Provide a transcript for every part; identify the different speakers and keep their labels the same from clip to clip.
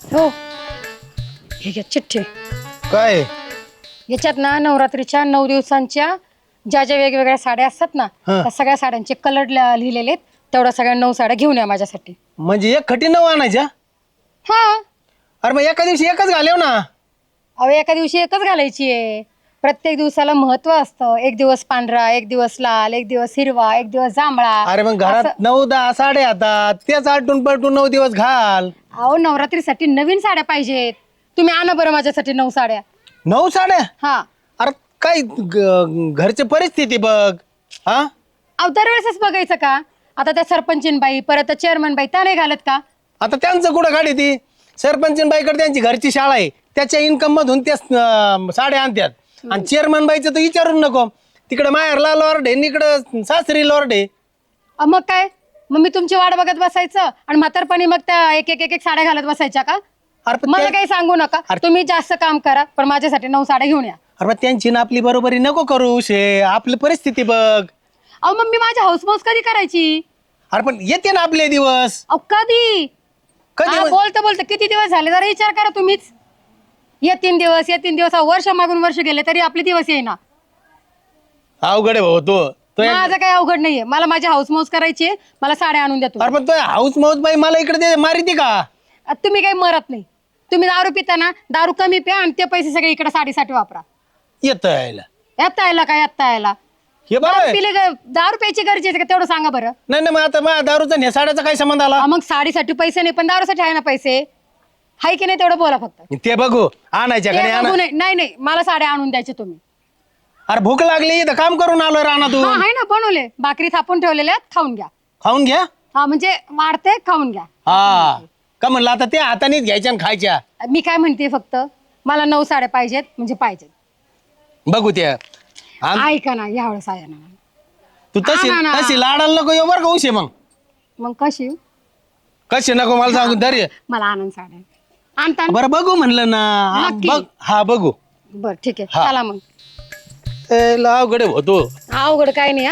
Speaker 1: हो, हे घ्या चिठ्ठी.
Speaker 2: काय
Speaker 1: याच्यात ना नवरात्रीच्या 9 दिवसांच्या ज्या ज्या वेगवेगळ्या साड्या असतात ना,
Speaker 2: हा.
Speaker 1: त्या सगळ्या साड्यांचे कलर लिहिलेले आहेत. तेवढ्या सगळ्या 9 साड्या घेऊन या माझ्यासाठी.
Speaker 2: म्हणजे एक खटी 9 आणायच्या?
Speaker 1: हा.
Speaker 2: अरे मग एका दिवशी एकच घालेव ना.
Speaker 1: अहो, एका दिवशी एकच घालायची आहे. प्रत्येक दिवसाला महत्व असतं. एक दिवस पांढरा, एक दिवस लाल, एक दिवस हिरवा, एक दिवस जांभळा.
Speaker 2: अरे मग घरात
Speaker 1: असं.
Speaker 2: 9-10 साड्या येतात, तेच आलटून पलटून 9 दिवस घाल.
Speaker 1: अहो, नवरात्रीसाठी नवीन साड्या पाहिजेत. तुम्ही आणा बरं माझ्यासाठी 9 साड्या.
Speaker 2: 9 साड्या?
Speaker 1: हा.
Speaker 2: अरे काय घरची परिस्थिती बघ. हा
Speaker 1: अहो, दरवेळेसच बघायचं का? आता त्या सरपंचीन बाई, परत चेअरमन बाई, त्या नाही घालत का?
Speaker 2: आता त्यांचं कुठं गाडी ती सरपंच बाईकडे त्यांची घरची शाळा आहे, त्याच्या इन्कम मधून त्या साड्या आणतात. आणि चेअरमन बाईचं तर विचारून नको. तिकडे माहेरला लॉर्ड आहे, इकडं सासरी लॉर्ड आहे.
Speaker 1: मग काय? मग मी तुमची वाट बघत बसायचं आणि म्हातारपणी मग त्या एक साड्या घालत बसायच्या का?
Speaker 2: अरे पण
Speaker 1: मला
Speaker 2: त्या-
Speaker 1: काही सांगू नका. तुम्ही जास्त काम करा, पण माझ्यासाठी 9 साड्या घेऊन या.
Speaker 2: अरे मग त्यांची ना आपली बरोबरी नको करू शे. आपली परिस्थिती बघ.
Speaker 1: अहो, मग मी माझी हाऊसमौस कधी करायची?
Speaker 2: अरे पण येते ना आपले दिवस.
Speaker 1: अहो, कधी?
Speaker 2: कधी
Speaker 1: बोलतं बोलतं किती दिवस झाले जरा विचार करा तुम्हीच. ये 3 दिवस, ये 3 दिवस. वर्ष मागून वर्ष गेले तरी आपले दिवस येईना.
Speaker 2: अवघड आहे भाऊ तो
Speaker 1: माझं काही अवघड नाहीये. मला माझी हाऊसमौस करायची आहे. मला साड्या आणून द्या तुम्ही.
Speaker 2: अरे पण तो हाऊस माऊस बाई मला इकडे मारिती का?
Speaker 1: तुम्ही काही मरत नाही. तुम्ही दारू पिता ना, दारू कमी प्या आणि ते पैसे सगळे इकडे साडीसाठी वापरा.
Speaker 2: येत यायला
Speaker 1: येता यायला काय येता यायला?
Speaker 2: हे बरं
Speaker 1: दारू
Speaker 2: आहे.
Speaker 1: पिले दारू प्यायची गरजेची आहे का तेवढं सांगा बरं.
Speaker 2: नाही नाही, मग आता माझ्या दारूचा आणि साड्याचा काय संबंध आला?
Speaker 1: मग साडीसाठी पैसे नाही पण दारूसाठी आहे ना पैसे. हाय की नाही तेवढं बोला फक्त.
Speaker 2: ते बघू आणायच्या का
Speaker 1: ते
Speaker 2: नाही
Speaker 1: बघू
Speaker 2: आणा.
Speaker 1: नाही नाही, मला साड्या आणून द्यायचे तुम्ही.
Speaker 2: अरे भूक लागली तर काम करून आलोय रानातून.
Speaker 1: हा, आहे ना बनवले. भाकरी थापून ठेवलेल्या आहेत, खाऊन घ्या.
Speaker 2: खाऊन घ्या.
Speaker 1: हा म्हणजे वाढते, खाऊन घ्या.
Speaker 2: हा का म्हणलं आता त्या हातानेच घ्यायच्या आणि खायच्या.
Speaker 1: मी काय म्हणते फक्त मला 9 साड्या पाहिजेत म्हणजे पाहिजेत.
Speaker 2: बघू त्या
Speaker 1: ऐका ना, यावेळेस आहे ना.
Speaker 2: तू तशी
Speaker 1: आणा ना.
Speaker 2: तशी लाडाला नको येऊ बरं का उशे. मग
Speaker 1: कशी?
Speaker 2: कशी नको मला सांगू दर.
Speaker 1: मला आनंद साड्या आणता ना?
Speaker 2: बरं बघू म्हणलं ना.
Speaker 1: नक्की.
Speaker 2: बघ हा बघू.
Speaker 1: बरं ठीक आहे,
Speaker 2: हा.
Speaker 1: चला मग.
Speaker 2: अवघड होतो.
Speaker 1: अवघड काय नाही.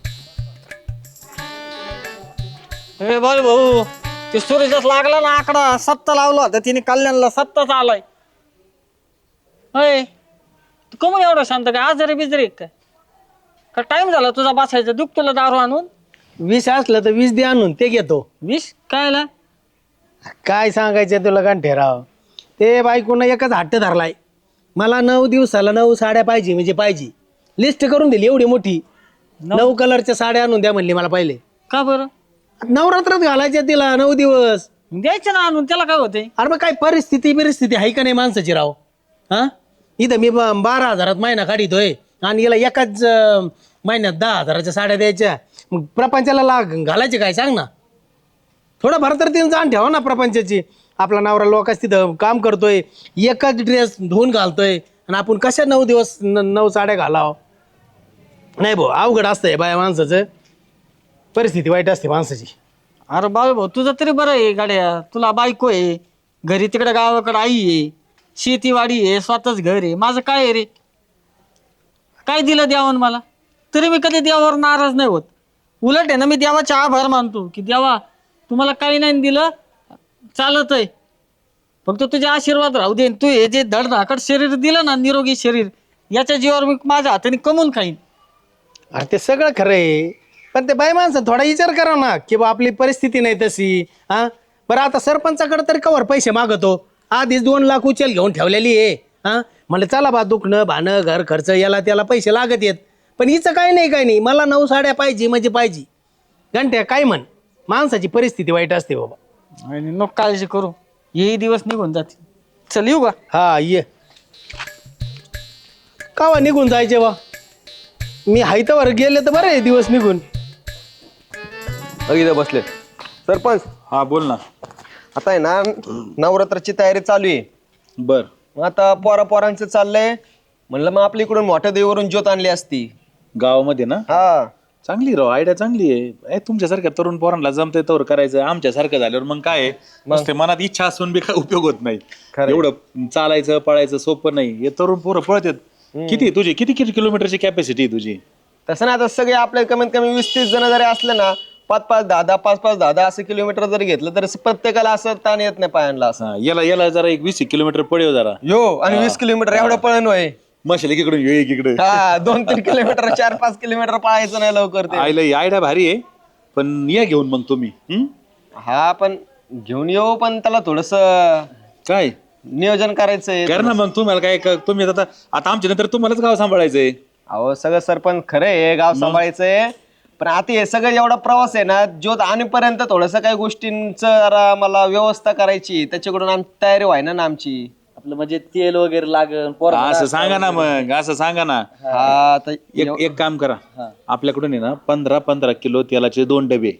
Speaker 3: हे बोल भाऊ, ते सूर्यच लागला ना आकडा 7 लावला होता तिने कल्याणला 7च आलाय. होय तू कमून एवढं शांत काय? आजारी बिजारी काय? का टाइम झाला तुझा बसायचा? दुख तुला दारू आणून?
Speaker 2: 20 असलं तर 20 दे आणून ते घेतो.
Speaker 3: 20 कायला?
Speaker 2: काय सांगायचं तुला ठेराव. ते बायकोनं एकच हट्ट धरलाय. मला 9 दिवसाला 9 साड्या पाहिजे म्हणजे पाहिजे. लिस्ट करून दिली एवढी मोठी. 9 कलरच्या साड्या आणून द्या म्हणली मला पहिले.
Speaker 3: का बरं?
Speaker 2: नवरात्रात घालायच्या तिला 9 दिवस.
Speaker 3: द्यायचं ना आणून, त्याला काय होते?
Speaker 2: अरे मग काय परिस्थिती आहे का नाही माणसाची राव. हा इथं मी 12,000 महिना काढितोय आणि याला एकाच महिन्यात 10,000च्या साड्या द्यायच्या. मग प्रपंचाला घालायचे काय सांग ना. थोडं भर तर तिने जाण ठेवा ना प्रपंचाची. आपला नवरा लोकांच तिथं काम करतोय, एकच ड्रेस धुवून घालतोय आणि आपण कशा 9 दिवस 9 साड्या घालाव. नाही भाऊ अवघड असतंय बाया माणसाचं. परिस्थिती वाईट असते माणसाची.
Speaker 3: अरे बाबा भाऊ तुझं तरी बरं आहे गाड्या. तुला बायको आहे, घरी तिकडे गावाकडे आई आहे, शेतीवाडी आहे, स्वतःच घर आहे. माझं काय आहे रे? काय दिलं देवान मला? तरी मी कधी देवावर नाराज नाही होत. उलट आहे ना, मी देवाचा आभार मानतो की देवा तुम्हाला काही नाही दिलं, चालत आहे, फक्त तुझे आशीर्वाद राहू दे. तू हे जे धडधाकट शरीर दिलं ना, निरोगी शरीर, याच्या जीवावर मी माझ्या हाताने कमवून खाईन.
Speaker 2: अरे ते सगळं खरं आहे, पण ते बाई माणसं थोडा विचार करा ना की बा आपली परिस्थिती नाही तशी. हा बरं आता सरपंचाकडे तरी कवर पैसे मागतो. आधीच 2 लाख उचल घेऊन ठेवलेली आहे. हा म्हणलं चला बा दुखणं भाणं घर खर्च याला त्याला पैसे लागत येत. पण हिचं काही नाही मला 9 साड्या पाहिजे म्हणजे पाहिजे. घंट्या काय म्हण, माणसाची परिस्थिती वाईट असते बाबा.
Speaker 3: आणि नको काळजी करू, हे दिवस निघून जातील. चल येऊ का?
Speaker 2: हा ये. कावा निघून जायचे बा. मी हायतावर गेले तर बरं आहे दिवस निघून.
Speaker 4: इथं बसले सरपंच.
Speaker 5: हा बोल ना.
Speaker 4: आता आहे ना नवरात्राची तयारी चालू आहे.
Speaker 5: बर.
Speaker 4: मग आता पोरांचं चाललंय. म्हणलं मग आपल्या इकडून मोठ्या देवीवरून ज्योत आणली असती
Speaker 5: गावामध्ये ना.
Speaker 4: हा.
Speaker 5: चांगली राव, आयडिया चांगली आहे. तुमच्यासारख्या तरुण पोरांना जमतंय तवर करायचं. आमच्यासारखं झाल्यावर मग काय आहे, नुसते मनात इच्छा असून बी काय उपयोग होत नाही.
Speaker 4: खरंय.
Speaker 5: एवढं चालायचं पळायचं सोपं नाही. हे तरुण पोरं पळतात. किती किलोमीटरची कॅपॅसिटी आहे तुझी?
Speaker 4: तसं ना आता सगळे आपले कमीत कमी 20-30 जण जरी असले ना 5-5, 10-10, 5-5, 10-10 असं किलोमीटर जरी घेतलं तर प्रत्येकाला असं ताण येत नाही पायांना असं.
Speaker 5: हा, याला जरा एक 20 किलोमीटर पडेल जरा.
Speaker 4: यो आणि 20 किलोमीटर एवढं पळण होय.
Speaker 5: मशाल इकडून ये इकडे.
Speaker 4: हा 2-3 किलोमीटर 4-5 किलोमीटर पळायचं नाही लवकर ते.
Speaker 5: आईला आयडिया भारी आहे, पण या घेऊन मग तुम्ही.
Speaker 4: हा पण घेऊन येऊ, पण त्याला थोडस
Speaker 5: काय
Speaker 4: नियोजन करायचंय.
Speaker 5: कर ना मग. तुम्हाला काय तुम्ही आता आमच्या नंतर तुम्हालाच गाव सांभाळायचंय.
Speaker 4: अहो सगळं सरपंच खरं आहे, गाव सांभाळायचंय, पण आता हे सगळं एवढा प्रवास आहे ना, ज्योत आणेपर्यंत थोडस काही गोष्टींचं जरा मला व्यवस्था करायची, त्याच्याकडून आमची तयारी व्हायना ना आमची.
Speaker 3: आपलं म्हणजे तेल वगैरे लागेल
Speaker 5: असं सांगा ना मग, असं सांगा ना.
Speaker 4: हा तर
Speaker 5: एक काम करा, आपल्याकडून आहे ना 15-15 किलो तेलाचे 2 डबे.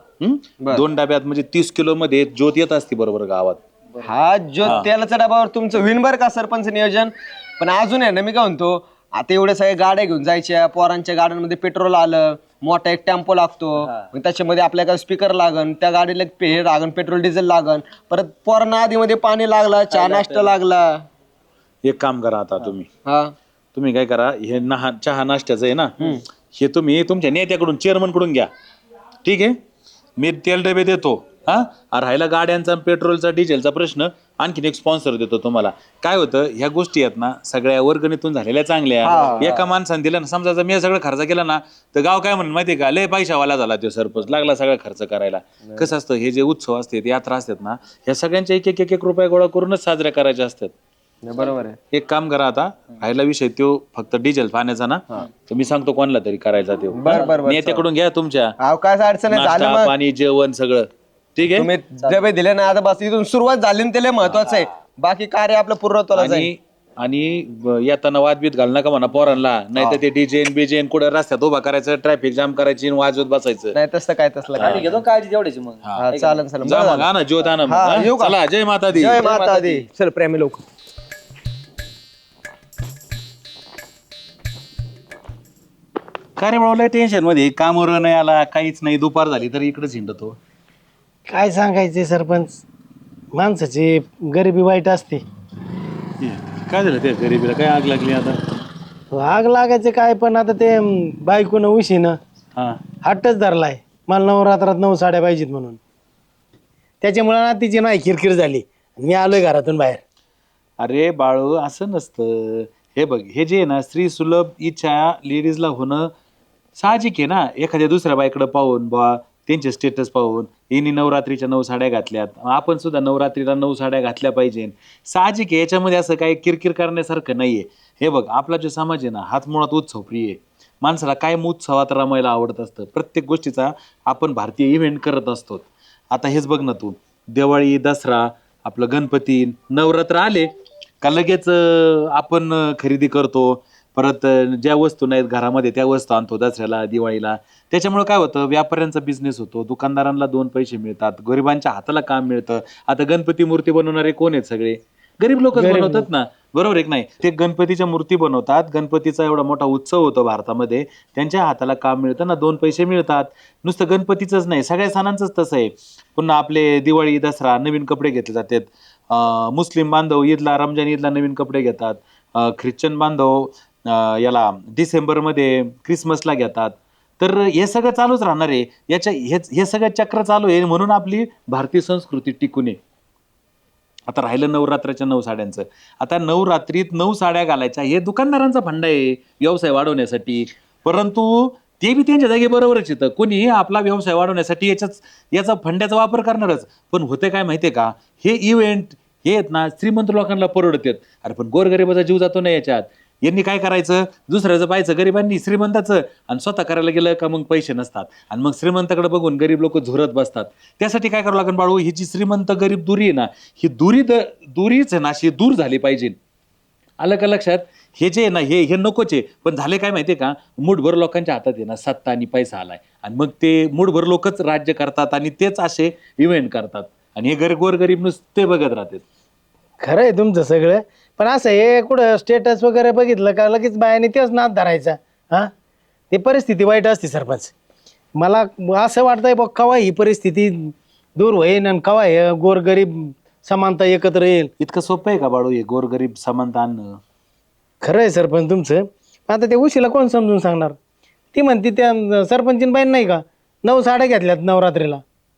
Speaker 5: 2 डब्यात म्हणजे 30 किलो मध्ये ज्योत येत असते बरोबर गावात.
Speaker 4: हा ज्योत तेलाच्या डब्यावर तुमचं होईन बरं का सरपंच नियोजन. पण अजून आहे ना, मी काय म्हणतो, आता एवढ्या सगळ्या गाड्या घेऊन जायच्या, पोरांच्या गाड्यांमध्ये पेट्रोल आलं, मोठा एक टेम्पो लागतो, मग त्याच्यामध्ये आपल्याला स्पीकर लागन, त्या गाडीला हे लागन, पेट्रोल डिझेल लागन, परत पोरांना आधी मध्ये पाणी लागला, चहा नाश्ता लागला.
Speaker 5: एक काम करा आता
Speaker 4: हा
Speaker 5: तुम्ही काय करा, हे चहा नाश्त्याचं आहे ना, हे तुम्ही तुमच्या नेत्याकडून चेअरमन कडून घ्या. ठीक आहे, मी तेल डबे देतो. राहिला गाड्यांचा पेट्रोलचा डिझेलचा प्रश्न, आणखीन एक स्पॉन्सर देतो तुम्हाला. काय होतं, ह्या गोष्टी आहेत ना सगळ्या वर्गणीतून झालेल्या चांगल्या. एका माणसाने दिलं ना, समजा जर मी सगळं खर्च केला ना, तर गाव काय म्हणून माहितीये का, लय पैशावाला झाला तो सरपंच, लागला सगळा खर्च करायला. कसं असतं, हे जे उत्सव असतात, यात्रा असतात ना, ह्या सगळ्यांच्या एक रुपया गोळा करूनच साजऱ्या करायच्या असतात.
Speaker 4: बरोबर आहे.
Speaker 5: एक काम करा, आता राहिला विषय तो फक्त डिझेल पाण्याचा ना, तर मी सांगतो कोणाला तरी करायचा तो.
Speaker 4: बरं.
Speaker 5: नेत्याकडून घ्या तुमच्या,
Speaker 4: अहो काय अडचण आहे, झालं
Speaker 5: नाश्ता
Speaker 4: मग
Speaker 5: पाणी जेवण सगळं. ठीक आहे.
Speaker 4: तुम्ही डबे दिले ना, आता बस इथून सुरुवात झाली ना, त्याला महत्वाचं आहे, बाकी कार्य आपलं पूर्णत्वाला जाईल.
Speaker 5: आणि येताना वादबीत घाल नका म्हणा पोरांना, नाही तर ते डिजेन बिजेन कुठे रस्त्यात उभा करायचं, ट्रॅफिक जाम करायची आणि वाजवत बसायचं.
Speaker 4: नाही तसलं काय काय
Speaker 3: घेतो काळजी तेवढ्याची मग.
Speaker 4: हा चालन
Speaker 5: जा मग, आणा ज्योत आणा मग, हा?
Speaker 4: येऊ का?
Speaker 5: चला, जय माता दी.
Speaker 4: जय माता दी. चल प्रेमी लोक.
Speaker 5: काय रे बाबा, टेन्शन मध्ये कामावर नाही आला, काहीच नाही, दुपार झाली तरी इकडेच हिंडतो.
Speaker 2: काय सांगायचे सरपंच, माणसाची गरिबी वाईट असते.
Speaker 5: काय झालं त्या गरीबीला, काय आग लागली आता?
Speaker 2: आग लागायचे काय, पण आता ते बायकोनं उशीनं
Speaker 5: हा
Speaker 2: हट्टच धरलाय, मला नवरात्रात 9 साड्या पाहिजेत म्हणून. त्याच्यामुळे ना तिची नाही किरकिर झाली, मी आलोय घरातून बाहेर.
Speaker 5: अरे बाळू, असं नसतं. हे बघ, हे जे आहे ना, स्त्री सुलभ इच्छा लेडीजला होणं साहजिक आहे ना. एखाद्या दुसऱ्या बाईकडे पाहून बा, त्यांचे स्टेटस पाहून, यांनी नवरात्रीच्या 9 साड्या घातल्यात, आपण सुद्धा नवरात्रीला 9 साड्या घातल्या पाहिजे, साहजिक आहे. याच्यामध्ये असं काही किरकिर करण्यासारखं नाहीये. हे बघ, आपला जो समाज आहे ना, हाच मुळात उत्सव प्रिय आहे. माणसाला कायम उत्सवात रमायला आवडत असतं. प्रत्येक गोष्टीचा आपण भारतीय इव्हेंट करत असतो. आता हेच बघ ना तू, दिवाळी, दसरा, आपलं गणपती, नवरात्र आले का लगेच आपण खरेदी करतो. परत ज्या वस्तू नाहीत घरामध्ये त्या वस्तू आणतो दसऱ्याला, दिवाळीला. त्याच्यामुळे काय होतं, व्यापाऱ्यांचा बिझनेस होतो, दुकानदारांना 2 पैसे मिळतात, गरिबांच्या हाताला काम मिळतं. आता गणपती मूर्ती बनवणारे कोण आहेत? सगळे गरीब लोकच बनवतात ना, बरोबर आहे की नाही? ते गणपतीच्या मूर्ती बनवतात, गणपतीचा एवढा मोठा उत्सव होतो भारतामध्ये, त्यांच्या हाताला काम मिळतं ना, 2 पैसे मिळतात. नुसतं गणपतीचंच नाही, सगळ्या सणांचंच तसं आहे. पुन्हा आपले दिवाळी, दसरा नवीन कपडे घेतले जातात. मुस्लिम बांधव ईदला, रमजान ईदला नवीन कपडे घेतात. ख्रिश्चन बांधव याला डिसेंबरमध्ये क्रिसमसला घेतात. तर हे सगळं चालूच राहणार आहे. हे सगळं चक्र चालू आहे, म्हणून आपली भारतीय संस्कृती टिकून आहे. आता राहिलं नवरात्राच्या 9 साड्यांचं. आता नवरात्रीत 9 साड्या घालायच्या, हे दुकानदारांचा फंडा आहे व्यवसाय वाढवण्यासाठी. परंतु ते बी त्यांच्या जागी बरोबरच येतं. कोणी आपला व्यवसाय वाढवण्यासाठी याचा फंड्याचा वापर करणारच. पण होते काय माहितीये का, हे इव्हेंट हे आहेत ना, श्रीमंत लोकांना परवडतात. अरे पण गोरगरिबाचा जीव जातो ना याच्यात. यांनी काय करायचं, दुसऱ्याचं पाहायचं गरिबांनी श्रीमंताचं, आणि स्वतः करायला गेलं का मग पैसे नसतात, आणि मग श्रीमंताकडे बघून गरीब लोक झुरत बसतात. त्यासाठी काय करावं लागेल बाळू, ही जी श्रीमंत गरीब दुरी आहे ना, ही दुरीच आहे ना, अशी दूर झाली पाहिजे. आलं का लक्षात? हे जे आहे ना, हे नकोच आहे. पण झाले काय माहितीये का, मूठभर लोकांच्या हातात आहे ना सत्ता आणि पैसा आलाय, आणि मग ते मूठभर लोकच राज्य करतात आणि तेच असे इव्हेंट करतात, आणि हे गोरगरीब नुसते बघत राहतात.
Speaker 2: खरं आहे तुमचं सगळं, पण असं हे कुठं स्टेटस वगैरे बघितलं का लगेच बायाने तेच नाद धरायचा. हा, ते परिस्थिती वाईट असते सरपंच. मला असं वाटतंय बघ, कवा ही परिस्थिती दूर होईल आणि कवा हे गोरगरीब समानता एकत्र येईल.
Speaker 5: इतकं सोपं आहे का बाळू हे गोरगरीब समानता आणणं?
Speaker 2: खरं आहे सरपंच तुमचं. आता त्या उशीला कोण समजून सांगणार? ती म्हणते त्या सरपंचीन बाईन नाही का, 9 साड्या घेतल्यात नवरात्रीला.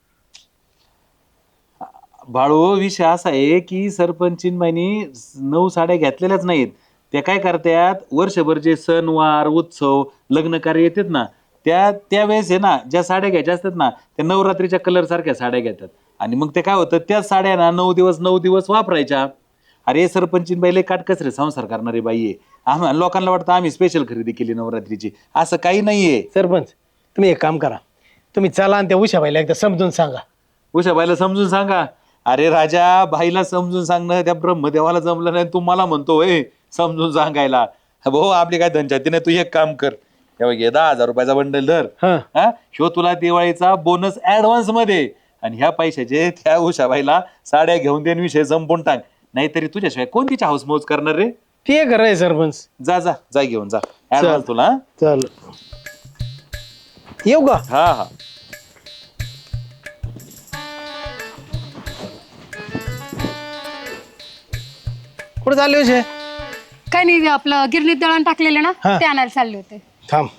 Speaker 5: बाळू विषय असा आहे की सरपंचीनबाईनी 9 साड्या घेतलेल्याच नाहीत. त्या काय करतात, वर्षभर जे सणवार उत्सव लग्न कार्य येतात ना, त्यावेळेस आहे ना ज्या साड्या घ्यायच्या असतात ना त्या नवरात्रीच्या कलर सारख्या साड्या घेतात. आणि मग ते काय होतं, त्याच साड्या ना 9 दिवस वापरायच्या. अरे सरपंचीन लय काटकसरे संसार करणारी बाई आहे. आम्हाला लोकांना वाटतं आम्ही स्पेशल खरेदी केली नवरात्रीची, असं काही नाहीये.
Speaker 2: सरपंच तुम्ही एक काम करा, तुम्ही चला आणि त्या उषाबाईला एकदा समजून सांगा.
Speaker 5: उषाबाईला समजून सांगा. अरे राजा, बाईला समजून सांगणं त्या ब्रह्मदेवाला जमलं नाही, तू मला म्हणतो समजून सांगायला. भाऊ आपली काय धनछाती नाही, तू एक काम कर, हे बघ, 10,000 रुपयाचा बंडल धर.
Speaker 2: हा.
Speaker 5: ह्यो तुला दिवाळीचा बोनस ऍडव्हान्स मध्ये, आणि ह्या पैशाचे त्या उषाबाईला साड्या घेऊन देण, विषय संपून टाक. नाहीतरी तुझ्याशिवाय कोण तिची हाऊस मौज करणार रे.
Speaker 2: ते खरं आहे सरपंच.
Speaker 5: जा जा जा घेऊन जा ऍडव्हान्स तुला.
Speaker 2: चल येऊ का?
Speaker 5: हा हा.
Speaker 2: कुठे चालले उशे?
Speaker 1: काय नाही, आपलं गिरणीत दळण टाकलेलं ना,
Speaker 2: हा.
Speaker 1: ते आणायला चालले होते.
Speaker 2: थांब.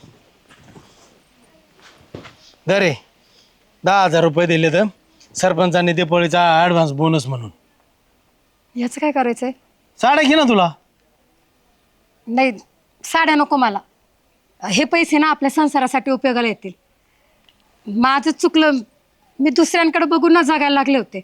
Speaker 2: दरे 10,000 रुपये दिले तर सरपंचांनी दिवाळीचा ऍडव्हान्स बोनस म्हणून.
Speaker 1: याचं काय करायचंय?
Speaker 2: साड्या घे ना तुला.
Speaker 1: नाही, साड्या नको मला. हे पैसे ना आपल्या संसारासाठी उपयोगाला येतील. माझं चुकलं, मी दुसऱ्यांकडे बघून ना जगायला लागले होते.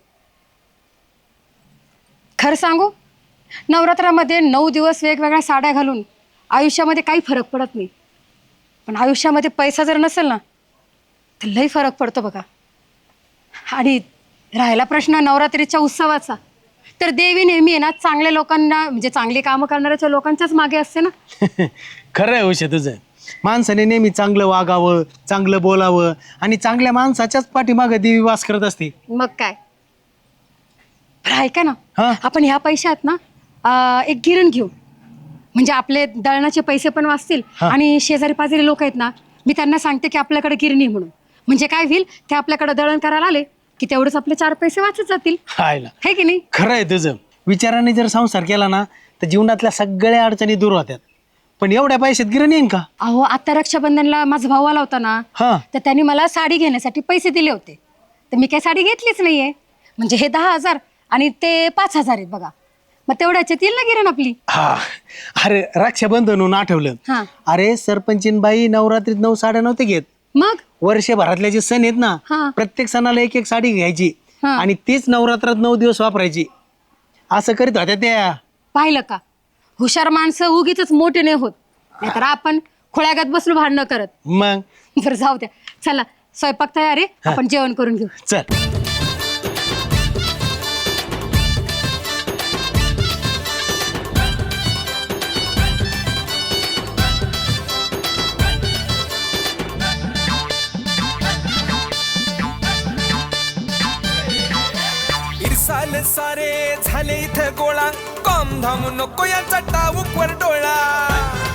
Speaker 1: खरं सांगू, नवरात्रामध्ये 9 दिवस वेगवेगळ्या साड्या घालून आयुष्यामध्ये काही फरक पडत नाही. पण आयुष्यामध्ये पैसा जर नसेल ना तर लई फरक पडतो बघा. आणि राहिला प्रश्न नवरात्रीच्या उत्सवाचा, तर देवी नेहमी आहे ना चांगल्या लोकांना, म्हणजे चांगली कामं करणाऱ्या लोकांच्याच मागे असते ना.
Speaker 2: खरं आहे उशे तुझं. माणसाने नेहमी चांगलं वागावं, चांगलं बोलावं, आणि चांगल्या माणसाच्याच पाठीमागे देवी वास करत असते.
Speaker 1: मग काय. बरं ऐका ना,
Speaker 2: हा.
Speaker 1: आपण ह्या पैशात ना एक गिरण घेऊ, म्हणजे आपले दळणाचे पैसे पण वाचतील.
Speaker 2: हा.
Speaker 1: आणि शेजारी पाजारी लोक आहेत ना, मी त्यांना सांगते की आपल्याकडे गिरणी म्हणून, म्हणजे काय होईल, ते आपल्याकडे दळण करायला आले की तेवढंच आपले 4 पैसे वाचत जातील.
Speaker 2: हायला
Speaker 1: है की नाही?
Speaker 2: खरं आहे तुझं. विचाराने जर संसार केला ना तर जीवनातल्या सगळ्या अडचणी दूर होत्यात. पण एवढ्या पैशात गिरण येईन का?
Speaker 1: अहो, आता रक्षाबंधनला माझा भाऊ आला होता ना,
Speaker 2: हा.
Speaker 1: तर त्यांनी मला साडी घेण्यासाठी पैसे दिले होते. तर मी काही साडी घेतलीच नाहीये. म्हणजे हे 10,000 आणि ते 5,000 आहेत बघा. मग तेवढ्याच्यात येईल ना गिरण आपली.
Speaker 2: हा. अरे रक्षाबंधन आठवलं.
Speaker 1: हा.
Speaker 2: अरे सरपंचीन बाई नवरात्रीत 9 साड्या नव्हते घेत.
Speaker 1: मग
Speaker 2: वर्षभरातले जे सण आहेत ना,
Speaker 1: हा.
Speaker 2: प्रत्येक सणाला एक एक साडी घ्यायची
Speaker 1: हा.
Speaker 2: आणि तीच नवरात्रात 9 दिवस वापरायची. असं करीत होत्या त्या.
Speaker 1: पाहिलं का, हुशार माणसं उगीच मोठे नाही होत. नाहीतर आपण खोळ्यागत बसलो भांडणं करत.
Speaker 2: मग
Speaker 1: बरं जाऊ द्या, चला स्वयंपाक तयार आहे, आपण जेवण करून घेऊ.
Speaker 2: चल.
Speaker 6: इरसाल सारे झाले इथं गोळा, कॉम धाम नको याचा टाऊक वर डोळा.